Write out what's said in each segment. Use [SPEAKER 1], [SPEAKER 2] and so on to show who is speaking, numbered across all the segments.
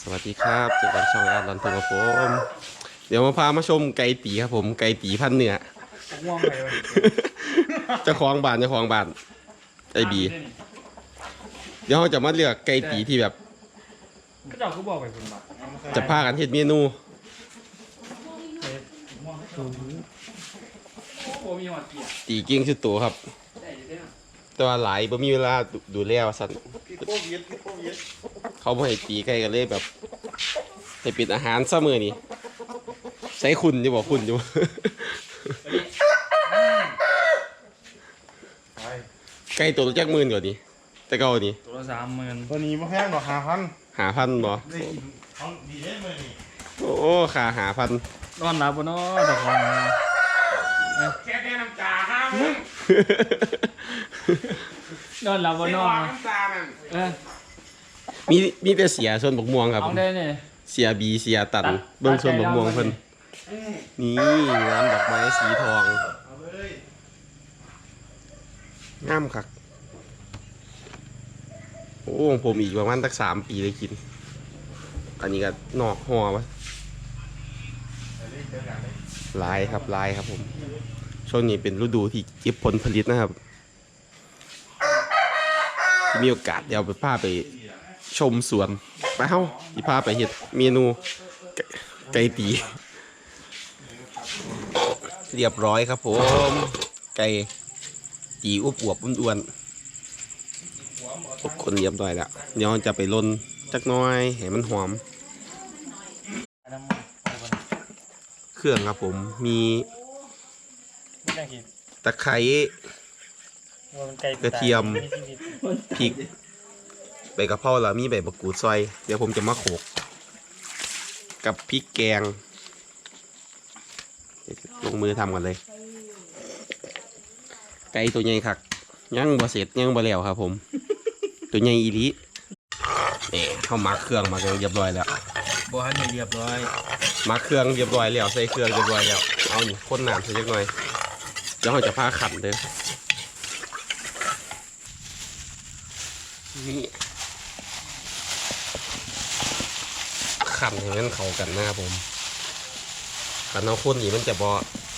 [SPEAKER 1] สวัสดีครับเจอกันช่องอาร์ตลันทุกับผมเดี๋ยวมาพามาชมไก่ตีครับผมไก่ตีพันเนื้อ
[SPEAKER 2] ง่วงไปเลย
[SPEAKER 1] เจ้าของบ้านไอบีเดี๋ยวเราจะมาเลือกไก่ตีที่แบบ
[SPEAKER 2] ก็เราก็บอกไปคุณบ้า
[SPEAKER 1] จะพากันเฮ็ดเมนู
[SPEAKER 2] โอ้มีหัวเกียร์
[SPEAKER 1] ตีเก่งชุดโตครับ แต่ว่าหลายบ่มีเวลาดูแลว่าซั่นเขาบ่ให้ตีไก่กันเลยแบบให้เป็นอาหารซะมื้อนี้ใส่คุณอยู่บ่คุณอยู่ ไก่ตัวละจักหมื่นกว่านี้แต่เก่านี่
[SPEAKER 2] ตัวละ30,000
[SPEAKER 3] ตัวนี้มาแพงดอก
[SPEAKER 1] 5,000
[SPEAKER 3] 5,000
[SPEAKER 1] บ่
[SPEAKER 3] ได้กินเขาดีได้เมื่อนี่
[SPEAKER 1] โอ้ค่า5,000
[SPEAKER 2] นอนหลับบ่เนาะดอกของ
[SPEAKER 3] แค่น้ำตาห้าม
[SPEAKER 2] นอนหลับบ่นอน
[SPEAKER 3] น้ำตานั่น
[SPEAKER 1] มีแต่เสียส่วนบกม่วงครับ
[SPEAKER 2] เอาได้เนี่ย
[SPEAKER 1] เสียบีเสียตันเบิ่งส่วนบกม่วงเพิ่นนี่น้ำดอกไม้สีทอง
[SPEAKER 3] เอาเลย
[SPEAKER 1] งามคักโอ้ของผมอีกประมาณสัก3 ปีเลยกินอันนี้ก็นอกห่อวะลายครับผมช่วงนี้เป็นฤดูที่เก็บผลผลิตนะครับที่มีโอกาสเดี๋ยวไปพาไปชมสวนไปเฮ้าที่พาไปเฮ็ดเมนูไก่ตีเรียบร้อยครับผมไก่ตีอวบอ้วนๆทุกคนเรียบร้อยแล้วเดี๋ยวจะไปลนจักหน้อยให้มันหอมเครื่องครับผมมีตะไคร้กระเทียมพริกใบกะเพราแล้วมีใบมะกรูดซอยเดี๋ยวผมจะมาโขลกกับพริกแกงลงมือทำกันเลยไก่ตัวใหญ่คักยังบ่เสร็จยังบ่แล้วครับผมตัวใหญ่อีหลีเขามักเครื่องมาเรียบร้อยแล้ว
[SPEAKER 2] บ่ทันเรียบร้อย
[SPEAKER 1] มักเครื่องเรียบร้อยแล้วใส่เครื่องเรียบร้อยแล้วเอานี่ข้นน้ำใส่จักหน่อยเดี๋ยวเราจะพาขันเด้อนี่ขันให้มันเข้ากันนะครับผมขันเอาข้นนี่มันจะบ่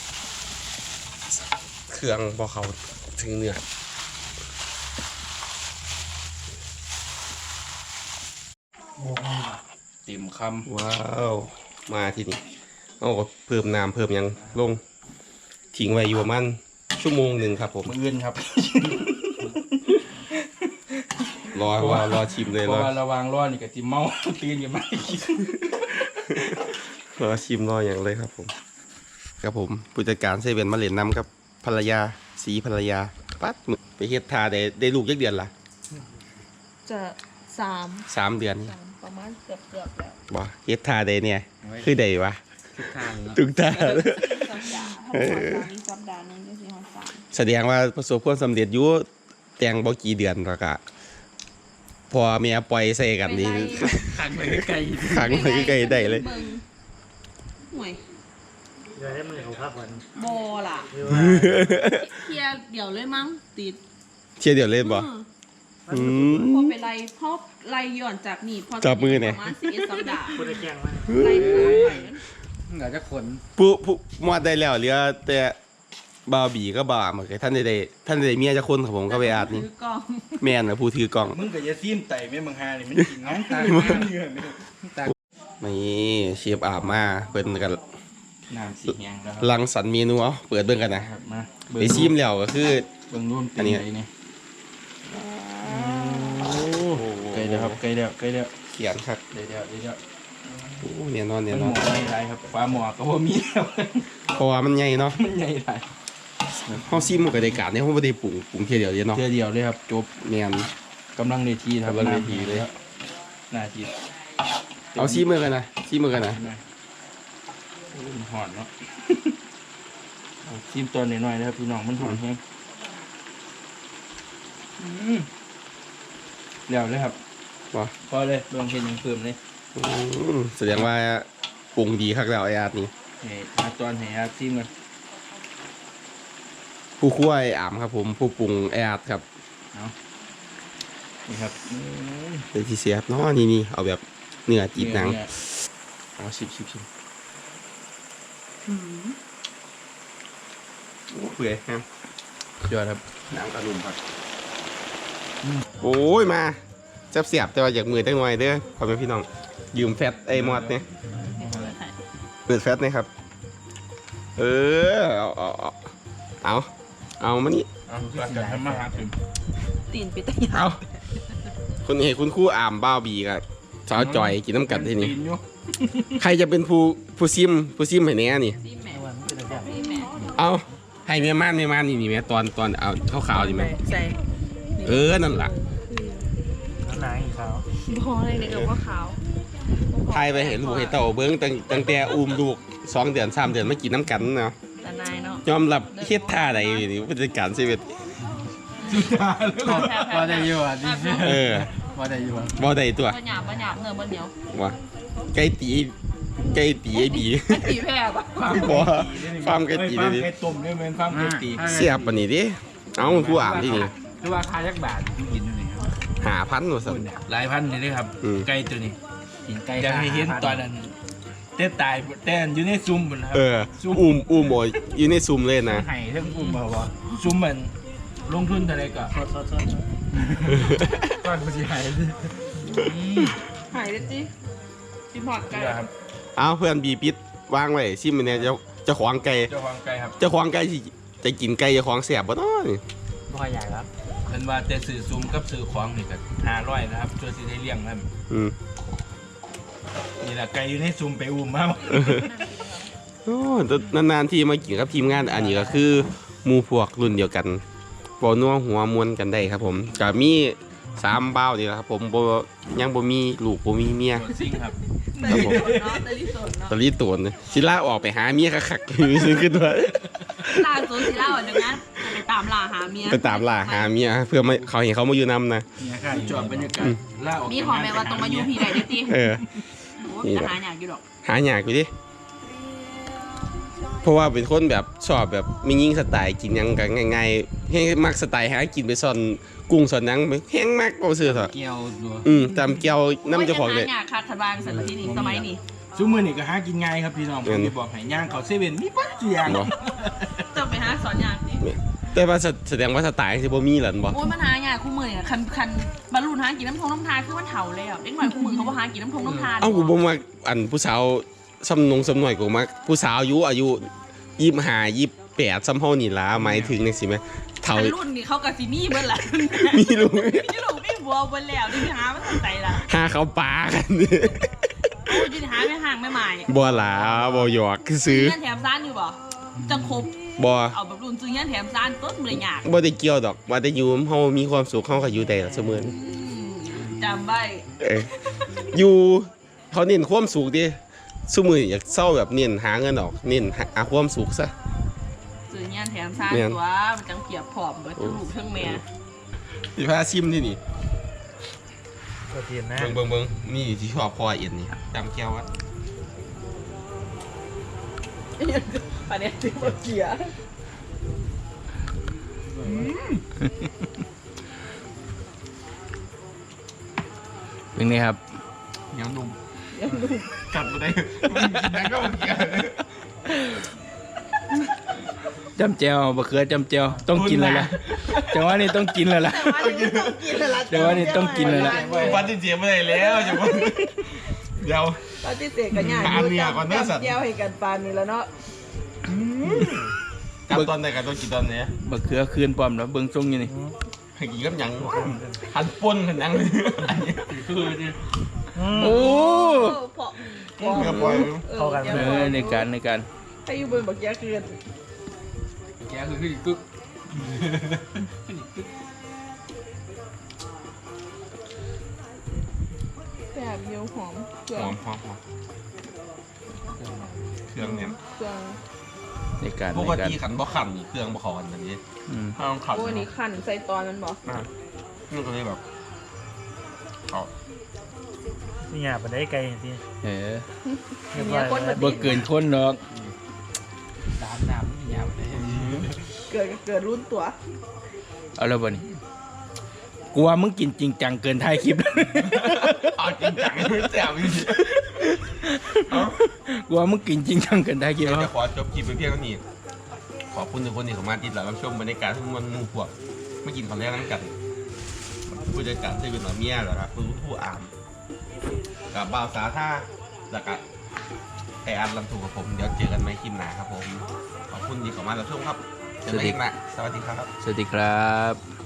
[SPEAKER 1] เครื่องบ่เข้าถึงเนื้อ
[SPEAKER 2] เต็มค
[SPEAKER 1] ว้าวมาที่นี่เอาก็เพิ่มน้ำเพิ่มหยังลงทิ้งไว้อยู่ประมาณชั่วโมงหนึ่งครับผม
[SPEAKER 2] ำมื้ออื่นครับ
[SPEAKER 1] รอชิมเลย
[SPEAKER 2] เพราะว่าระวังร้อนนี่ก็สิเมาตื่นกันมากิน
[SPEAKER 1] รอชิมรออย่างเลยครับผมครับผมผู้จัดการเซเว่นมาเล่นน้ำครับภรรยาสีภรรยาปัดมึกไปเฮ็ดทาได้ลูกยักเดือนละ
[SPEAKER 4] จะ
[SPEAKER 1] 3 เดือน
[SPEAKER 4] ประมาณเกือบแล้ว
[SPEAKER 1] บ่เฮ็ดทาได้เนี่ยคือได้วะ
[SPEAKER 2] ทุกทางเนาะ
[SPEAKER 1] ทุกทา
[SPEAKER 4] สัปดาห์ถ้าสัปดาห์นึงจะสิฮอด3
[SPEAKER 1] แสดงว่าประสบความสำเร็จอยู่แต่งบ่กี่เดือนแล้วก็พอเมียปล่อยใส่กันนี่
[SPEAKER 2] ขังไปไกล
[SPEAKER 1] ขังไปใกล้ๆได้เลย
[SPEAKER 4] ห่วย
[SPEAKER 3] เดี๋ยวให้มันเขาพักวัน
[SPEAKER 4] บอล่ะเคลียร์เดี๋ยวเลยมั้งติด
[SPEAKER 1] เชียร์เดี๋ยวเล่นบ่อืม
[SPEAKER 4] พอไปไล่พอไล่ย้อนจากนี่พอ
[SPEAKER 1] จับมือเนี่ย
[SPEAKER 4] ประมาณ11สัปดาห์
[SPEAKER 3] พูดได้แกงมา
[SPEAKER 4] ไล่ไป
[SPEAKER 2] เหลือจะขน
[SPEAKER 1] ผู้มอดได้แล้วเหลือแต่บาวบีก็บ่าเหมือนกันท่านได้เมียจะคนครับผมก็ไปอาดนี่
[SPEAKER 4] ถือกล้อง
[SPEAKER 1] แม่นนะผู้ถือกล่อง
[SPEAKER 2] มึงก็อย่าซีมไต่แม่มึงหานี่มันกินน้องตาเนื้อนี่ตา
[SPEAKER 1] นี่เชฟอาบมาเปิดกัน
[SPEAKER 2] น้ำสีแห้งแล้วครับ
[SPEAKER 1] รังสรรค์เมนูเอาเปิดเบิ่งกันนะครับ
[SPEAKER 2] มา
[SPEAKER 1] ไปชิมแล้วก็คือ
[SPEAKER 2] เบิ่งรูป
[SPEAKER 1] อันนี้
[SPEAKER 2] ไนี่ไกลแล้วครับไกลแล้ว
[SPEAKER 1] เขียนครับ
[SPEAKER 2] เดี๋ยว
[SPEAKER 1] โอ้เนี่ยนอน
[SPEAKER 2] มั
[SPEAKER 1] เนี่ย
[SPEAKER 2] น
[SPEAKER 1] น
[SPEAKER 2] หม
[SPEAKER 1] อ
[SPEAKER 2] อนไม่ไรครับฟ้าหมอก็บ่มีแล้ว
[SPEAKER 1] เพราะว่ามันใหญ่เนาะ
[SPEAKER 2] มันใหญ่ไร
[SPEAKER 1] เฮาซิมมันก็ได้การเนี่ยเฮาบ่ได้ปรุงเทียเดียวเด้เนาะ
[SPEAKER 2] เดียวเลยครับจบ
[SPEAKER 1] แม่น
[SPEAKER 2] กำลังเวทีครับ
[SPEAKER 1] กำลังเวทีเลย
[SPEAKER 2] หน้าที
[SPEAKER 1] เอาซิมมือกันนะซิมมือกันนะ
[SPEAKER 2] หอนเนาะเอาชิมตัวหน่อยๆนะครับพี่น้องมันหอนแห้งเดี๋ยวเลยครับ
[SPEAKER 1] บ่
[SPEAKER 2] พอเลยลองเห็นยังเพิ่มเลย
[SPEAKER 1] แสดงว่าปรุงดีคักแล้วไอ้อาดนี่
[SPEAKER 2] นี่มาตอนให้อาชิมกัน
[SPEAKER 1] ผู้คั่วไอ้อามครับผมผู้ปรุงไอ้อาดครับ
[SPEAKER 2] นี่ครับ
[SPEAKER 1] เป็นที่เสียบเนาะนี่เอาแบบเนื้อติดหนัง
[SPEAKER 2] อ๋อชิม
[SPEAKER 1] เปื่อยครับ
[SPEAKER 2] ยอดครับ
[SPEAKER 1] หนังกระลุมครับโอ้ยมาเสียบแต่ว่าอยากมือตั้งหน่อยเด้อขอเป็นพี่น้องยืมแฟตไอ้มอดเนี่ยเปิดแฟตนี่ครับเอามานี่
[SPEAKER 2] เอาจะทำมาหาถึง
[SPEAKER 4] ตีนไปตะยา
[SPEAKER 1] เอาคุณเห็นคุณครู่อามบ้าบีกับสาวจอยกินน้ำกัดที่นี่ใครจะเป็นผู้ซิมให้แน่นี่
[SPEAKER 4] ซีแม่
[SPEAKER 3] วันเป็นอะไร
[SPEAKER 4] ซีแม่
[SPEAKER 1] เอาให้แม่ม่านนี่แม่ตอนเอาขาวๆดีไหม
[SPEAKER 4] ใส่
[SPEAKER 1] นั่นแหละ
[SPEAKER 3] น้ำหนังอีกเขา
[SPEAKER 4] พออะไรเนี่ยกับว่าขาว
[SPEAKER 1] ทายไปเห็นลูกเห็นเต่าเบิ้งตั้งแต่อุ้มลูก2 เดือน3 เดือนมากินน้ำกันเนาะ
[SPEAKER 4] แต่นายเนาะ
[SPEAKER 1] ยอมรับเฮ็ดท่าใดนี่ผู้จัดการชีวิต
[SPEAKER 2] ว่าได้อยู่อ่ะดิ ว่าได้อยู่อ่ะ
[SPEAKER 1] บ่ได้ตัว
[SPEAKER 4] บ่หยาบเนื้อบ่เหนียว
[SPEAKER 1] ว่าไก่ตีไอ้บี
[SPEAKER 4] ตีแพร่ปะ
[SPEAKER 1] บ่ฟาร์มไก่ตีเลยดิ
[SPEAKER 2] ไก่ต้มด้วยเหมือนฟาร์มไก่ตี
[SPEAKER 1] เสียบปานนี้ดิเอาผู้อ่านที่นี่
[SPEAKER 2] คือว่าคายักบาทที่กินนี่ครับ
[SPEAKER 1] 5,000ว่าซั่น
[SPEAKER 2] หลายพันเลยครับ ไก่ตัวนี้
[SPEAKER 3] กินไก่
[SPEAKER 2] อยากให้เห็นตอนนั้นเต้ตายเต้นอยู่ในซุ้มบนครับ
[SPEAKER 1] อุ้มบ่อยู่ในซุมเลยนะ
[SPEAKER 2] ไห้ทั้งอุ้มบ่าวซุ้มมันลงทุนเท่าไรก็
[SPEAKER 3] ทอด
[SPEAKER 2] ก้อนกูสิหาย
[SPEAKER 4] หายเลยจิกินหอดไก่
[SPEAKER 2] ครับ
[SPEAKER 1] เอาเพื่อนบีปิดวางไว้ซิมเนี่ยจะขวางไก่
[SPEAKER 2] เจ้าของไก่ครับ
[SPEAKER 1] จะขวางไก่สิจะกินไก่จะขวางแสบบ่เนาะนี่
[SPEAKER 3] บ่ค่อยใหญ่ครับ
[SPEAKER 2] เป็นว่าแต่สื่อซุ้มกับสื่อของนี่ก็500นะครับช่วยสิได้เลี้ยงครับ
[SPEAKER 1] อืม
[SPEAKER 2] นี่แหละไก่อยู่ในซุ้มไปอุ้มมา
[SPEAKER 1] โอ้นานๆที่มากินกับทีมงานอันนี้ก็คือหมู่พวกรุ่นเดียวกันบ่นัวหัวมวนกันได้ครับผมก็มี3เบ้านี่แหละครับผมบ่ยังบ่มีลูกบ่มีเมีย
[SPEAKER 2] โดนซิงครับ
[SPEAKER 1] ครับผม
[SPEAKER 4] เนาะตะลิสนเนาะ
[SPEAKER 1] ตอนนี้ตัวเนี่ยสิล่าออกไปหาเมียคักๆซื้อขึ้นมา
[SPEAKER 4] ล่าสุดสิเล่าเดี๋ยวนะไปตามล่าหาเมีย
[SPEAKER 1] ไปตามล่าหาเมียเพื่อไม่เขาเห็นเขามาอยู่นำนะ
[SPEAKER 2] นี่ค่ะจอดบรรยากาศล่าออก
[SPEAKER 4] มีขอแม่ว่าต้องมาอยู่พี่ใดเด้อติ
[SPEAKER 1] เออ
[SPEAKER 4] โอ้ยจะหาอยากอยู่ดอก
[SPEAKER 1] หาอยากอยู่ดิเพราะว่าเป็นคนแบบชอบแบบมียิ่งสไตล์กินหยังกันง่ายๆให้มักสไตล์หากินไปซ่อนกุ้งซ่อนหยังไปแห้งมากก็ซื้อเถอะ
[SPEAKER 2] เกี่ยวตัว
[SPEAKER 1] ตามเกียวน้ำเจ้าของเลย
[SPEAKER 4] โยจะหาอยากคัดทบางสันที่นี่สมัยนี้
[SPEAKER 2] ซุ้มมือนี่ก็หากินง่ายครับพี่น้องผมจะบอกให้ย่างเขาเซเว่นมีปัจจุบัน
[SPEAKER 1] บ่
[SPEAKER 4] จะไปหาสอนอยากดิ
[SPEAKER 1] แต่ว่าแสดงว่าสไตล์สิบ่มีหรอบ่
[SPEAKER 4] โอ้ยมันหาอยากคู่มือเนี่ยคันบรรลุหากินน้ำทงน้ำทาคือมันเถ่าเลยอ่ะเด็กหน่อยคู่มือเขาบอกหากินน้ำทงน้ำทา
[SPEAKER 1] เอ้ากูบ่มักอันผู้สาวสำหน่อยกูมักผู้สาวอายุ25 28ซ้ำเฮานี่ล่ะหมายถึงจังซี่แม่เฒ่า
[SPEAKER 4] คันรุ่นนี่เขากับซีมี่เบิ้ลละ
[SPEAKER 1] มีลูก
[SPEAKER 4] มีลูกมีบัวเบิ้ลแล้วนี่หาไม่สนใจละ
[SPEAKER 1] หาเขาปลากัน
[SPEAKER 4] โอ้ยยืนหาไม่ห่างไม่หมาย
[SPEAKER 1] บ่หลาบ่หยอกซื้อ
[SPEAKER 4] เงี้ยแถมซ่านอยู่บ่จังครบ
[SPEAKER 1] บ่
[SPEAKER 4] เอาแบบรุ่นซื้อเงี้ยแถมซ่านต้นเลยยาก
[SPEAKER 1] บ่ได้เกี่ยวดอกว่าแต่อยู่เฮามีความสุขเฮาก็อยู่ได้ล่ะเสมอ
[SPEAKER 4] จำใบ
[SPEAKER 1] อยู่เขาเน้นความสุขดิซุมื้ออยากเศร้าแบบเน้นหาเงินออกเน้นหาความสุขซะ
[SPEAKER 4] ซื้อเงี้ยแถมซ่านตัวมันจังเกียบผอมเบิดทั้งลูกทั้งแม่
[SPEAKER 1] สิพาซิมที่นี่
[SPEAKER 3] ตัวเทียนนะ
[SPEAKER 1] เบิ่งนี่ที่ชอบพอเอ็นนี่จำแก้วว่า
[SPEAKER 4] ประเด็นที่บ่เกีย
[SPEAKER 2] เป็นไงครับ
[SPEAKER 1] เหนียวนุ่มกัดบ่ได้นั่นก็บ่เกี่ยว
[SPEAKER 2] จำเจียวบะเขือจำเจียวต้องกินแล้วล่ะจังหวะนี้ต้องกินแล้วล่ะ
[SPEAKER 4] แต่ว่านี่ต้องกินแล้วล่ะ
[SPEAKER 2] จังหวะนี้ต้องกินแล้วล่ะ
[SPEAKER 1] ปันที่เจียบ่ได้แล้วจังว่าเดี๋ยว
[SPEAKER 4] ปฏิเสธกันยาก
[SPEAKER 1] หาเมียก่อนเด้อสัตว์
[SPEAKER 4] แก้วให้กันปานนี้แล้วเนาะ
[SPEAKER 1] จับตอนไหนกันต้องกินตอนไหน
[SPEAKER 2] บะเขือคืนปลอมแล้วเบิ่งทรงอยู่นี่
[SPEAKER 1] ให้กินกับหยังหันป่นหันหยัง
[SPEAKER 2] โอ้
[SPEAKER 4] เพาะ
[SPEAKER 1] เกือบปล่อย
[SPEAKER 3] เข้ากัน
[SPEAKER 2] ในการ
[SPEAKER 4] ให้อยู่บนบักแก้คืน
[SPEAKER 2] แกคือขึ้นกึก
[SPEAKER 4] แบบเดียวหอมเครื่
[SPEAKER 1] ห
[SPEAKER 4] อง
[SPEAKER 1] อมเครื่องเนี่ย
[SPEAKER 4] เครื่อง
[SPEAKER 2] ในการ
[SPEAKER 1] ปกติขันบ่ขันนี่เครื่องบ่เขอกันแบบนี้ถ้าต้องขัน
[SPEAKER 4] โอ้ยนี่ขั้นใส่ตอนมันบอก
[SPEAKER 1] นี่ก็เลยแบบเขา
[SPEAKER 3] นี่หยาบไปได้ไกลจริง
[SPEAKER 2] เออ
[SPEAKER 3] ๆ
[SPEAKER 4] เนี่ยคนมา
[SPEAKER 2] บ่เกินคนดอก
[SPEAKER 3] น้ำนี่หยาบเลย
[SPEAKER 4] เกิดรุ่นตัว
[SPEAKER 2] เอาแล้วบ่นี่กลัวมึงกินจริงจังเกินท้ายคลิป
[SPEAKER 1] เอาจริงจังไม่แซวจริง
[SPEAKER 2] กลัวมึงกินจริงจังเกินท้ายคลิป
[SPEAKER 1] เดี๋ยว
[SPEAKER 2] แล้
[SPEAKER 1] จะ
[SPEAKER 2] ว
[SPEAKER 1] ขอจบคลิปไปเพียงเท่านี้ขอบคุณทุกคนที่เข้ามาติดตามรับชมบรรยากาศทุกมันหมู่พวกไม่กินของแรกนั่งกันผู้จัดการที่เป็นหมาเมียเหรอครับผู้อ่านกับบ่าวสาท่าแล้วก็ไออันลำถูกกับผมเดี๋ยวเจอกันใหม่คลิปหน้าครับผมขอบคุณที่เข้ามารับชมครับเจอกันใหม่คลิปหน้าสวัสดีครับ
[SPEAKER 2] สวัสดีครับ